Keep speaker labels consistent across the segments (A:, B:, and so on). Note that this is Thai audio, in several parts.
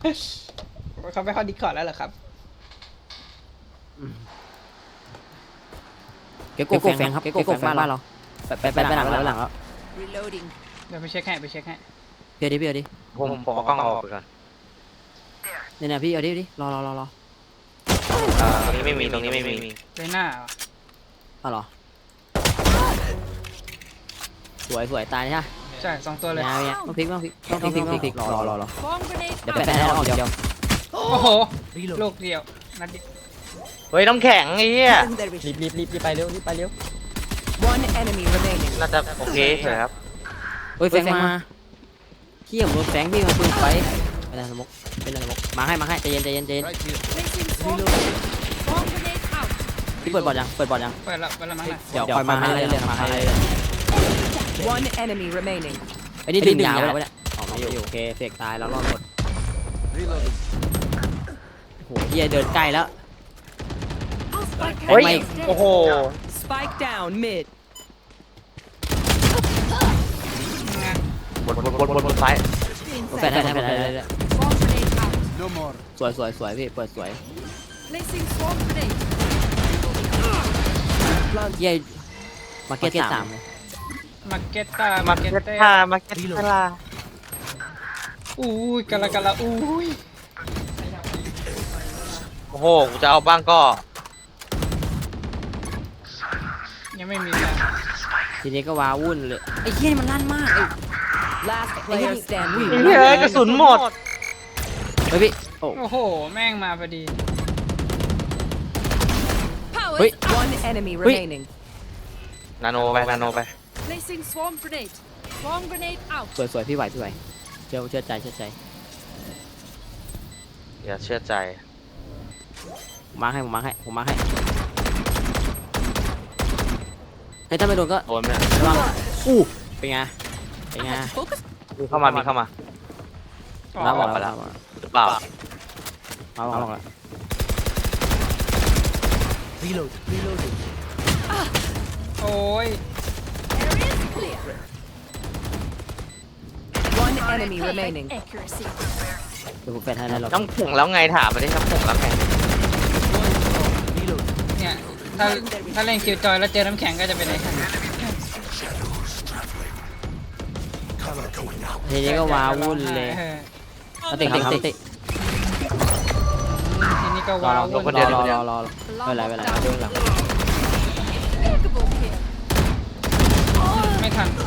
A: เขาไปเข้าดิสคอร์ดแล้วเหรอครับ
B: เก็บโกแฟงครับเก็บโกแฟงบ้านเราไปหลังแล้ว
A: เดี๋ยวไปเช็คให้ไปเช็คให้
B: เดี๋ยวดิ
C: ผมเอากล้องออกไปก่อน
B: เนี่ยพี่เอาดิรอ
C: ตรงนี้ไม่มีตรงนี้ไม่มี
A: เลยหน้า
B: เอาหรอสวยตายใช่ไหม
A: ใช่2ตัวเลย
B: ต้องพลิกรอเดี๋ยวแปะให้ออกเดียว
A: โอ้โหลูกเดียวนัดเดียว
C: เฮ้ยน้ำแข็งไอ้เหี้ย
D: รีบไปเร็ว
C: น่าจะโอเคเลยครับ
B: เฮ้ยแฟงมาเขี้ยมรถแฟงพี่มาปืนไฟเป็นอะไรสมกมาให้ใจเย็นพี่เปิดบอร์ดยัง
A: เปิดแล้วมั้ง
B: เดี๋ยวคอยมาให้เลยมาให้ไอ้นี่ดึงยาวไปเนี่ยออกมาอยู่โอเคเสกตายแล้วรอดหมดโหเฮียเดินใกล้แล้ว
C: เฮ้ยโอ้โหบนซ้าย
B: แฟนสวยพี่เปิดสวยเฮียมาเก็ต3เลย
A: มาเก็ตตาอุ้ยกะละอุ้ย
C: โอ้โหกูจะเอาบ้างก็
A: ยังไม่มีนะ
B: ทีนี้ก็ว้าวุ่นเลยไอ้เหี้ยมันลั่นมากไอ้
C: เฮ้ยกระสุนหมด
B: เฮ้ยพี่
A: โอ้โหแม่งมาพอดี
B: เฮ้ย
C: นาโนไป
B: สวยพี่ไหวเชื่อใจ
C: อย่าเชื่อใจ
B: ผมมาให้ถ้าไม่โดนก็
C: โดนเนี่ย
B: ระวังเป็นไง
C: มีเข้ามา
B: แล้วบอกแล้ว
C: หรือเปล่า
B: มาบอกแล้ว
A: โอ้ย
B: เดี๋ยวผมแฟนให้แล้ว
C: น้ำผงแล้วไงถามมาดิน้ำผงแล้วไง
A: เนี่ยถ้าเล่นคิวจอยแล้วเจอน้ำแข็งก็จะเป็นไงครับ
B: ทีนี้ก็ว้าวุ่นเลยติที
A: นี้ก็ว้าวุ่น
B: รอไม่เป็นไรเดี๋ยวหลัง
A: ไม่ทัน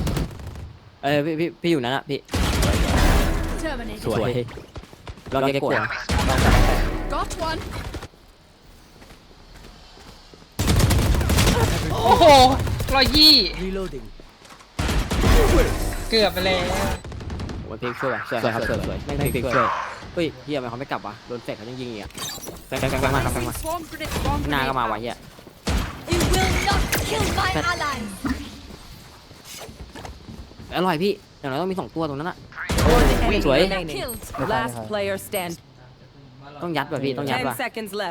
B: พี่อยู่นั่นอะพี่สวยลองเก็บกด
A: โอ้โห120เกือบไปแล้ว
B: โอ้ยพลิกช่วยสวยครับสวยแม่งพลิกช่วยเฮ้ยเฮียมันเขาไม่กลับวะโดนแฟกเขายังยิงอีกอ่ะแฟกมาหน้าก็มาวะเฮียอร่อยพี่อย่างน้อยต้องมี2ตัวตรงนั้นอะสวยต้องยัดว่ะพี่ต้องยัดว่ะ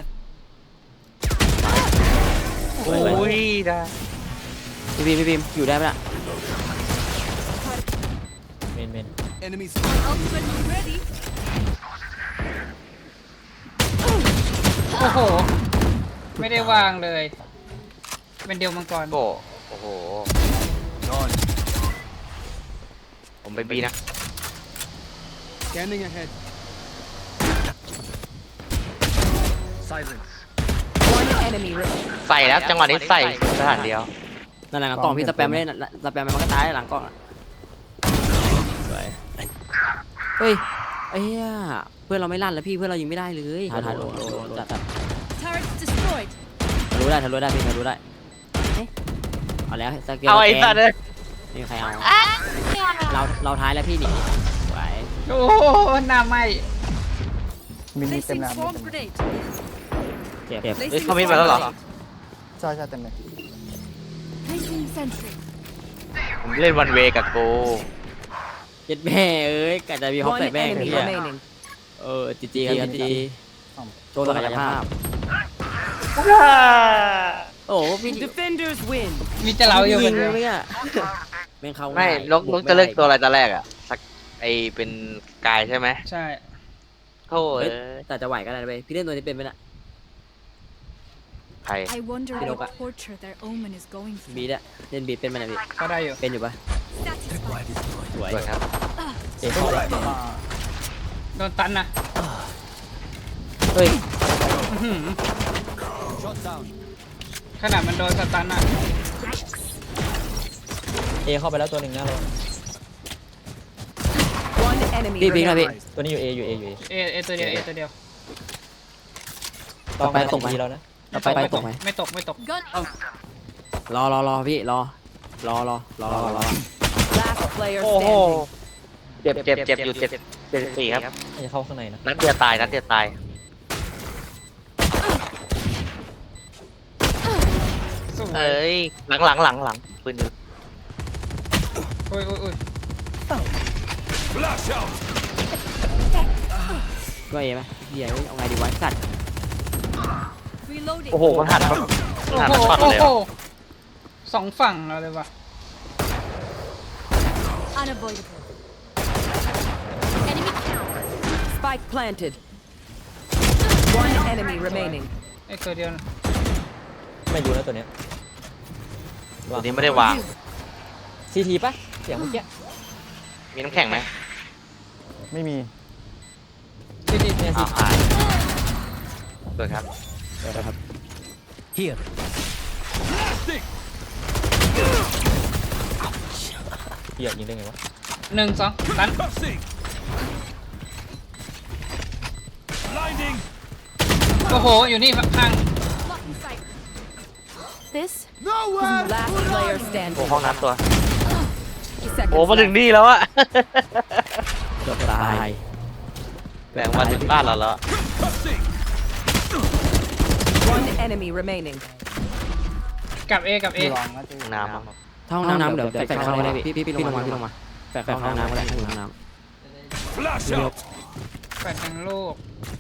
C: โอ้ยได้
B: พี่บีมอยู่ได้ปะล่ะเมน
A: โอ้โหไม่ได้วางเลยเป็นเดียวมังกร
C: โอ้โหผมไปบีนะใส่แล้วจังหวะนี้ใส่สถานเดียว
B: นั่นแหละกล่องพี่สแปมไม่ได้สแปมมันก็ตายหลังกล่องเฮ้ยไอ้เหี้ยเพื่อนเราไม่ลั่นแล้วพี่เพื่อนเรายิงไม่ได้เลยถ่ายโลจัดรู้ได้พี่รู้ได้เอาแล้วสเกล
C: เอาไอ้สัตว์เลย
B: นี่ใครเอาเราท้ายแล้วพี่หนีไหว
A: โอ้หน้าไหม
D: มินิเต็มน้ำ
B: เจ็บ
C: เขามีมาแล้วเหรอ
D: ใช่เต็มเลย
C: ผมเล่นวันเวกับโก
B: เจ็ดแม่กะจะมีฮอปใส่แม่งพี่จีครับจีโชว์ศักยภาพโอ้พี่
A: มีจะเราอยู่กัน
B: เลยอ่ะ
C: ไม่นกจะเลือกตัวอะไรตอนแรกอ่ะสักไอเป็นกายใช่ไหม
A: ใช่
C: โอ้ย
B: แต่จะไหวก็ได้นะเว้ยพี่เล่นตัวนี้เป็นไหมน่ะ
C: ใคร
E: I wonder
B: Cái đâu
E: what
B: cả.
E: torture their omen is going
B: บี
E: through.
B: ดอะเล่นบีดเป็นไหมน่ะพี่
A: ก็ได้อยู่
B: เป็นอยู่ปะ
E: Satisfied.
B: สวย
C: สวยครับ
D: เอ๋เข้าแล้ว
A: โดนตันนะ
B: เฮ้ย
A: อื้อหือขนาดมันโดนสตันอ่ะ
D: เอเข้าไปแล้วตัวหนึ่งนะเรา
F: One enemy
B: พี่นะพี่
F: remaining.
D: ตัวนี้อยู่เออยู่เออยู่เอ
A: เอตัวเดียวเอตัวเดียว
D: ต้อง
B: ไปตรงไหม
D: ทีแล้วนะ
B: ต่อไปตกไหม
A: ไม่ตกไม่ตก
E: Gun
B: รอพี่รอ
F: Last player
C: โอ้โห
F: standing.
C: เจ็บอยู่74ครับ
D: น่าจะเข้าข้างในนะ
C: นัดเดียวตายนัดเดียวตาย
A: สวย
C: เอ้ยหลังปืนอยู่
A: โอ้ยโอ้ยโอ้ย
B: ก็เอไหมเฮียเอาไงดีวะสัตว์
E: reloading.
C: โอ้โหมันหันมา
A: โอ้
C: หัน
A: โห
C: มาช็อต
A: โอ้
C: เลย
A: โห
C: อะ
A: สองฝั่งเราเลยว่ะ
E: Unavoidable. Enemy count.
F: Spike planted. One enemy remaining.
A: ไอ้ตัวเดียวนะ
D: ไม่รู้นะตัวเนี้ย
C: ตัวนี้ไม่ได้วาง
D: ซีทีปะเสียงเมื่อกี้
C: มีน้ำแข็งไหม
D: ไม่มี
A: ที่ที่
D: เนี่ย
C: อ้า
D: ซี
C: วหายสวยครับ
D: เหี้ยยิงได้ไงวะ
A: หนึ่งสองตันโอ้โห อยู่นี่ข้าง
E: Blocking sight. This
F: Last player
C: โอ้
F: standing.
C: ห้องน้ำตัว
F: Seconds
C: โอ้มาถึง
F: left.
C: นี่แล้วอะ
B: เกือบตาย
C: แบ่งมาถึงบ้านเราแล้ว
F: One enemy remaining.
A: กับเอกับเอ
D: ลองนะเจ
C: ห้องน้ำอะ
B: ถ้าห้องน้ำเดี๋ยวแฝงเข้าก็ได้พี่ลงมาแฝงเข้าห้องน้ำก็ได้ห้องน้ำ
A: แปดทางโลก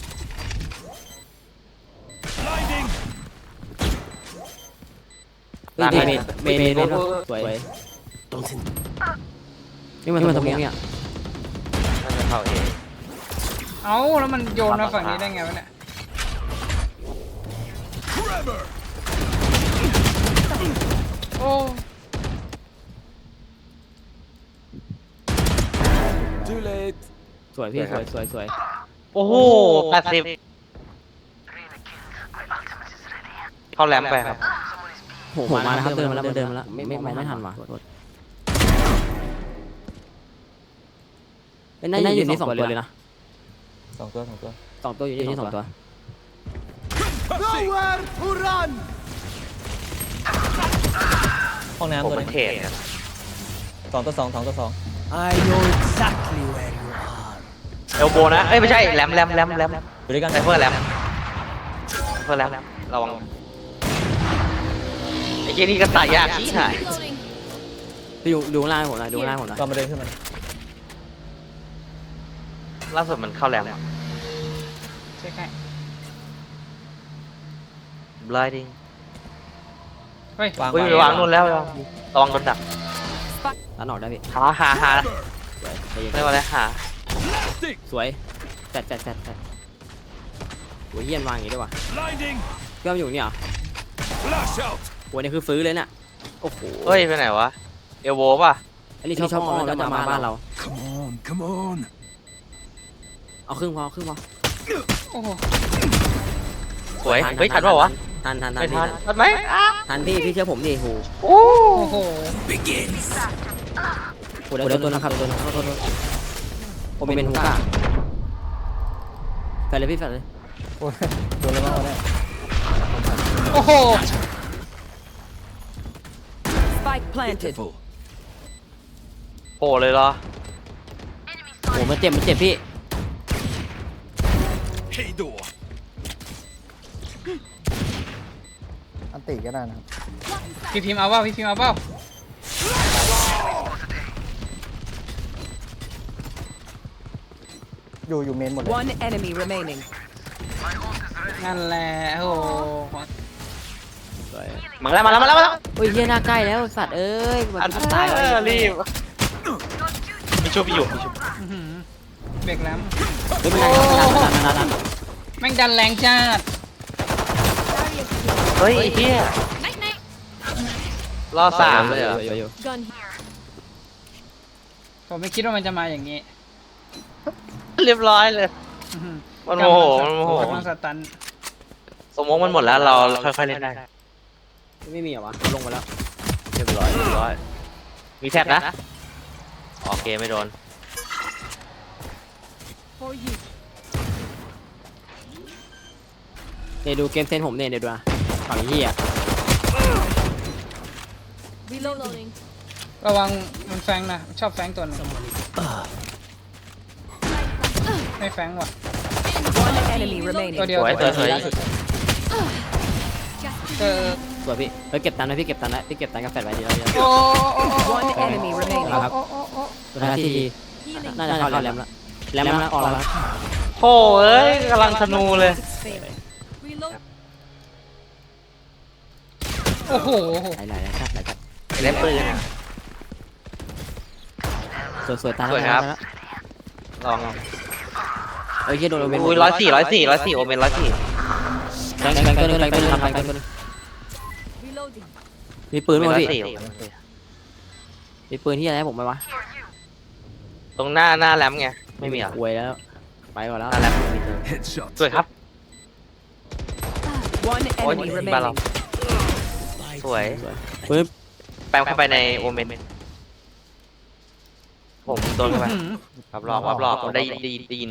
B: เมนสวยนี่มันตรงนี้เนี่ย
C: น่าจะเข้าเอง
A: เอ้าแล้วมันโยนมาฝั่งนี้ได้ไงวะเนี่ยโอ้
B: สวยพี่สวย
C: โอ้โห80เข้าแรมไปครับ
B: โหมาแล้วครับเดินมาแล้วไม่ทันว่ะน่าจะอยู่นี่2ตัวเลยนะ
D: สองตัว
B: 2ตัวอยู่นี่2ตัว
D: ห้อง
C: ผม
D: น้ำตัว
C: เป็
D: นึ
C: น
D: ง
C: เทรดครับ
D: สองตัวสอง
C: เอลโบนะ เอ้ยไม่ใช่แรม
D: อยู่ด้วยกัน
C: ไซเฟอร์แรมระวังไอ้เจนี่ก็ตายยากชี้หาย
E: reloading.
B: ไปดูล่างผมนะดูล่างผมนะ
D: ตอนมาเดินขึ้นมา
C: ล่าสุดมันเข้าแรมอะ
A: เช็คให้
C: blinding
A: เฮ้ย
D: วาง
C: อุ้ยวางนู่นแล้วระวังโดนดัก
B: ตันออกได้พี่
C: หาเรียกว่าอะไรหา
B: สวยแฟดโหเยี่ยนวางอย่างนี้ด้วยว่ะเพื่อนอยู่นี่เหรอโหนี่คือฟื้นเลยน่ะโอ้โห
C: เฮ้ยไปไหนวะเอลโบป่ะ
B: อันนี้ชอบอ้อมแล้วจะมาบ้านเรา
G: Come on.
B: เอาครึ่งพอ
A: โอ้โห
C: สวยเฮ้ยทันเปล่าวะ
B: ทัน
C: ไม่ทันทันไหม
B: ทันพี่เชื่อผมดิโห
A: โอ้โห
B: โหเดี๋ยวตัวนะครับตัวนึงโทษผมเป็นฮูก้าแฟนเลยพี่แฟนเลย
D: โอ้ยตัวอะไรบ้างวะเนี่ย
A: โอ้โห
F: Spike planted.
C: โผล่เลยเหรอ
B: โหมันเจ็บพี่
G: Hey door.
D: อันติก็ได้นะครับ
A: พี่พิมพ์เอาเปล่าพี่พิมพ์เอาเปล่า
D: อยู่เมนหมดเลย
F: One enemy remaining.
A: นั่นแหละโอ้โห
B: สวย
C: มาแล้ว
B: โอ้ยเยี่ยหน้าใกล้แล้วสัตว์เอ้ยมันตายแล้ว
C: รีบมีชุบอยู่
A: อื้อหือเบรกแล้ว
B: ฮ้ยมันดัน
A: แม่งดันแรงจ้าด
C: เฮ้ยไอ้เหี้ย
E: Night night.
C: รอสามเลยเหรอ
E: Gun here.
A: ผมไม่คิดว่ามันจะมาอย่างนี้
C: เรียบร้อยเลย
A: อื้อหือ
C: มันโมโหมันโมโห
A: กำลังสตัน
C: สมมติมันหมดแล้วเราค่อยๆเล่นได้
B: ไม่มีเหรอวะลงมาแล้ว
C: เรียบร้อยเรียบร้อยมีแท็บนะโอเคไม่โดน
E: For you.
B: เนี่ยดูเกมเซนผมเนี่ยเดี๋ยวดูนะฝั่งนี้อ่ะ
E: Reloading.
A: ระวังมันแฟงนะชอบแฟงตัวหนึงไม่แฟงว่ะ
F: One enemy remaining.
A: ตัวเดียว
C: สวย
A: ตัว
C: สวย
A: เดียวเจอ
B: สวยพี่เฮ้ยเก็บตันนะพี่เก็บตันนะพี่เก็บตันกับแฟดไว้ดีแล้ว
A: โอ้โอ้โอ้โอ้
F: One enemy remaining.
B: ครับ
A: โอ้โอ้โอ้
B: ตัวท้ายที่
E: Healing.
B: น่าจะเข้าแรมแล้วแรมแล้วออกแล้ว
C: โอ้เอ้ยกำลังธนูเลย
E: Reload.
A: โอ้โห
B: ไหลจัด
C: เล่นปืน
B: สวยตา
C: สวยครับ ลอง
B: เอ้ยโดนโอเมน
C: อุ้ย104โอเมน104
B: แรงตัวนึงทำแรงตัวนึง
E: Reloading.
B: มีปืนไหมพี่
C: 104
B: มีปืนที่อะไรให้ผมไหมวะ
C: ตรงหน้าแรมไงไม่มีเหรอ
B: อวยแล้วไปก่อนแล้ว
C: หน้าแรมไม่มีเลย
G: Headshot.
C: สวยครับ
F: One enemy
C: Ôi,
F: remaining.
C: บ้านเราสวย
B: ปืน
C: แปลงเข้าไปในโอเมนผมโดนเข้าไปรับรอบได้ยิน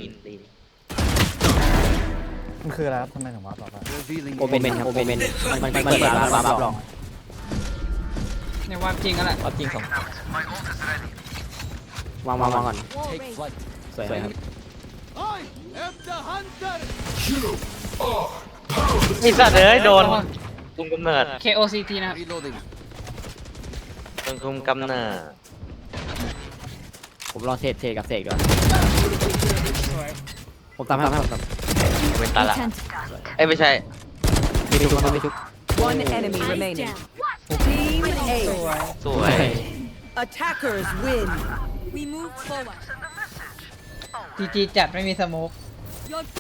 D: มันคืออะไรครับทำไมถึงว่าต่อไป
G: Revealing
B: โอเมนครับโอเมนมันเปิดรับรอง
A: ในความจริงกันแหละ
B: จริงของวางก่อน
E: Wall raised.
B: สวยครับ
C: ไอ้สัตว์เอ้ยโดนคุมกำเนิด
A: KOCT นะครับ
G: Reloading.
C: โดนคุมกำเนิด
B: ผมรอเทรดกับเสกก่อนผมตามให้ผมตาม
C: เป็นตาละเอ้ยไม่ใช่
B: ไม่ทุก
F: One enemy
E: Eyes
F: remaining.
E: down.
F: Team
A: ส
F: A.
A: วย
C: สวย
F: Attackers win.
E: We move forward.
A: GG จัดไม่มีสโมก
E: Your